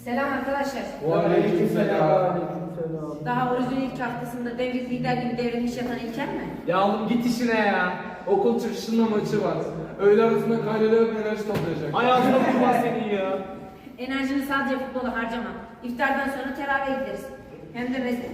Selam arkadaşlar. Aleykümselam. Daha orucun ilk haftasında devlet lider gibi devrilmiş yatan İlker mi? Ya oğlum git işine ya. Okul çıkışında maçı var. Öğle arasında kaydeler enerji toplayacak. Hayatına kurban senin ya. Enerjini sadece futbola harcama. İftardan sonra teravihe gideriz. Hem de mescide.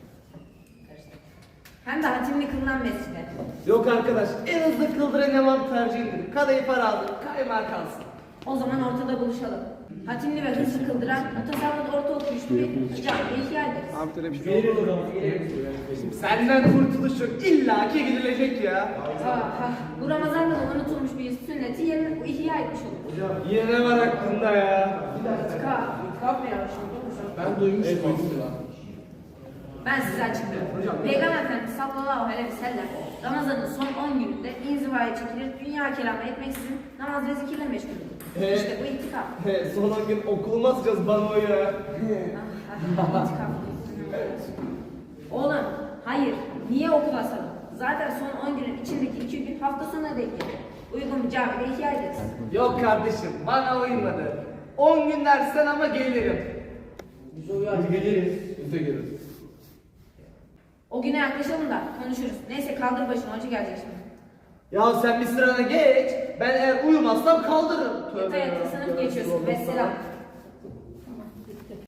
Hem de hatimli kılınan mescide. Yok arkadaş, en hızlı kıldıran imam tercihidir. Kadayıf alır, kaymağı kalsın. O zaman ortada buluşalım. Hatimli ve hızlı kıldıran, mutasarrıt orta okuyuşlu bir camiye ihya ederiz. Senden kurtuluş yok, illaki gidilecek ya. Aha, bu Ramazan'da da unutulmuş bir sünneti yerine ihya etmiş olur. Yine ne var aklında ya? İtikaf mı yapmışım? Ben duymuştum aslında. Ben size açıklıyorum. Peygamber Efendimiz sallallahu aleyhi ve sellem Ramazan'ın son 10 gününde inzivaya çekilir, dünya kelamı etmeksizin namaz ve zikirle meşgul olur. İşte bu itikaf. Son 10 gün okul nasılacağız bana ya? İtikaf. Oğlum, hayır. Niye okul asalım? Zaten son 10 günün içindeki 2 gün hafta sonuna denk gelir. Uygun bir camide ihya ederiz. Yok kardeşim, bana uymadı. 10 gün dersten ama gelirim. Hadi geliriz. Biz de geliriz. O güne yaklaşalım da konuşuruz. Neyse kaldır başını, hoca gelecek şimdi. Ya sen bir sırana geç, ben eğer uyumazsam kaldırırım. Yata yata sınıf geçiyorsun. Vesselam.